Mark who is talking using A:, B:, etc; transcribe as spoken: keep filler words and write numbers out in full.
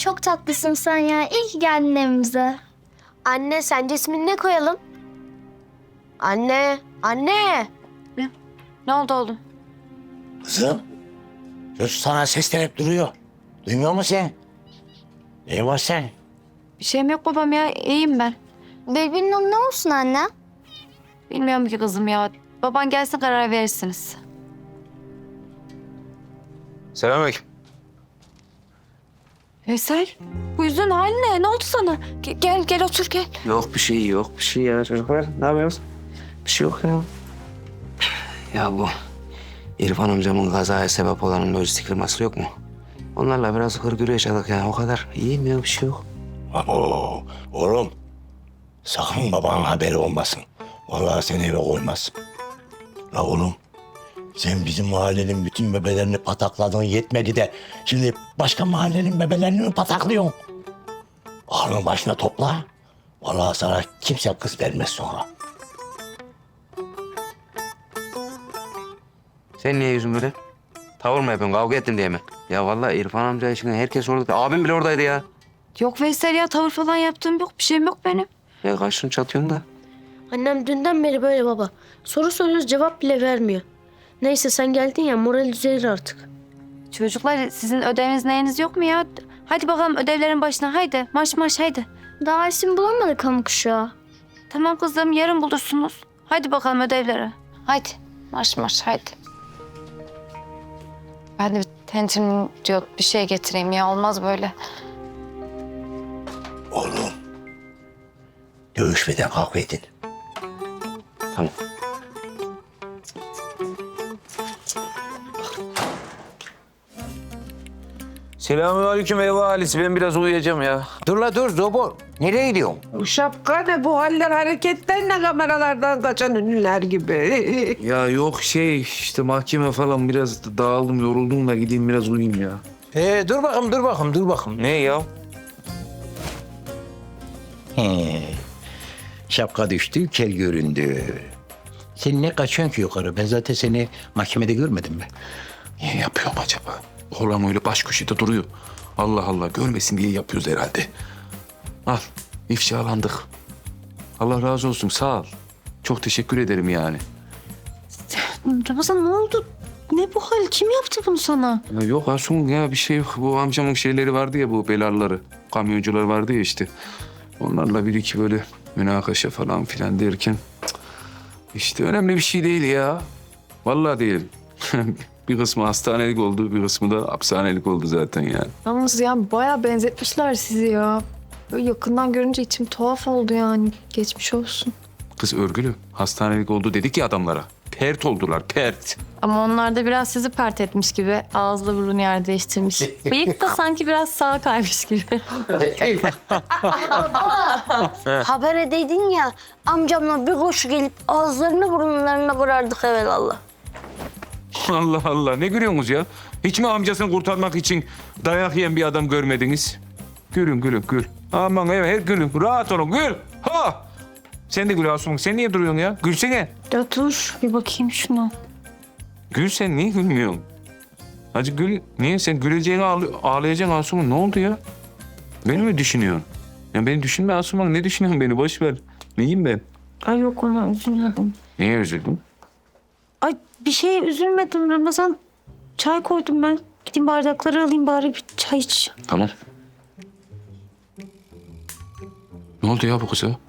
A: çok tatlısın sen ya. İyi ki geldin evimize.
B: Anne sence ismini ne koyalım? Anne, anne.
C: Ne, ne oldu oğlum?
D: Kızım, çocuk sana seslenip duruyor. Duymuyor musun sen? Ne var sen?
C: Bir şeyim yok babam ya. İyiyim ben.
A: Birbirinin adı ne olsun anne?
C: Bilmiyorum ki kızım ya. Baban gelsin karar verirsiniz.
E: Selamünaleyküm.
C: Veysel, bu yüzün hali ne? Ne oldu sana? Ge- Gel, gel otur gel.
E: Yok bir şey yok bir şey ya çocuklar. Ne yapıyorsunuz? Bir şey yok ya. Ya bu İrfan amcamın kazaya sebep olan lojistik firması yok mu? Onlarla biraz hırgür yaşadık ya o kadar. İyiyim ya bir şey yok.
D: Oo, oğlum, sakın babanın haberi olmasın. Vallahi seni eve koymaz. La oğlum, sen bizim mahallenin bütün bebelerini patakladın yetmedi de... ...şimdi başka mahallenin bebelerini mi pataklıyorsun? Aklını başına topla. Vallahi sana kimse kız vermez sonra.
E: Sen niye yüzün böyle? Tavır mı yapıyorsun? Kavga ettin diye mi? Ya vallahi İrfan amca işine herkes orada. Abim bile oradaydı ya.
C: Yok Veysel ya, tavır falan yaptığım yok. Bir şeyim yok benim.
E: Ya kaçtın çatıyorsun da.
B: Annem dünden beri böyle baba. Soru soruyoruz cevap bile vermiyor. Neyse sen geldin ya moral düzelir artık.
C: Çocuklar sizin ödeviniz neyiniz yok mu ya? Hadi bakalım ödevlerin başına. Haydi marş marş haydi.
A: Daha isim bulamadık hamur kuşağı.
C: Tamam kızım, yarın bulursunuz. Hadi bakalım ödevlere. Haydi marş marş haydi. Ben de bir tentin diyor bir şey getireyim ya, olmaz böyle.
D: Oğlum, dövüşmeden kavga edin.
E: Tamam.
F: Selamünaleyküm ev ahalisi. Ben biraz uyuyacağım ya.
D: Dur la dur Zobor. Nereye gidiyorsun?
G: Bu şapka ne, bu haller hareketler ne, kameralardan kaçan ünlüler gibi.
F: Ya yok şey işte mahkeme falan biraz dağıldım yoruldum da gideyim biraz uyuyayım ya.
H: Ee, dur bakayım, dur bakayım, dur bakayım.
F: Ne ya?
H: He. Şapka düştü, kel göründü. Sen ne kaçıyorsun ki yukarı? Ben zaten seni mahkemede görmedim mi?
F: Niye yapıyorum acaba? Oğlan öyle baş köşede duruyor. Allah Allah görmesin diye yapıyoruz herhalde. Al ifşalandık. Allah razı olsun sağ ol. Çok teşekkür ederim yani.
C: Ramazan ne oldu? Ne bu hal? Kim yaptı bunu sana?
F: Ya yok Asun ya bir şey yok. Bu amcamın şeyleri vardı ya bu belarları. Kamyoncular vardı ya işte. Onlarla bir iki böyle münakaşa falan filan derken... cık, işte önemli bir şey değil ya. Vallahi değil. Bir kısmı hastanelik oldu, bir kısmı da hapishanelik oldu zaten yani.
I: Yalnız yani bayağı benzetmişler sizi ya. Böyle yakından görünce içim tuhaf oldu yani. Geçmiş olsun.
F: Kız örgülü. Hastanelik oldu dedik ya adamlara. Pert oldular, pert.
I: Ama onlar da biraz sizi pert etmiş gibi. Ağızla burun yer değiştirmiş. Bıyık da sanki biraz sağa kaymış gibi.
B: Haber edeydin ya amcamla bir koşu gelip ağızlarını burunlarına kırardık evelallah.
F: Allah Allah, ne gülüyorsunuz ya? Hiç mi amcasını kurtarmak için dayak yiyen bir adam görmediniz? Gülün, gülün, gül. Aman evet, gülün. Rahat olun, gül. Ha! Sen de gül Asuman. Sen niye duruyorsun ya? Gülsene.
I: Ya dur bir bakayım şuna.
F: Gül sen niye gülmüyorsun? Hadi gül. Niye? Sen güleceğini ağlı ağlayacaksın Asuman. Ne oldu ya? Beni mi düşünüyorsun? Ya beni düşünme Asuman. Ne düşünüyorsun beni? Boş ver. Neyim ben?
I: Ay yok, ona üzülmedim.
F: Niye üzüldün?
I: Ay bir şeye üzülmedim Ramazan. Çay koydum ben. Gideyim bardakları alayım bari, bir çay iç.
F: Tamam. Ne oldu ya bu kıza?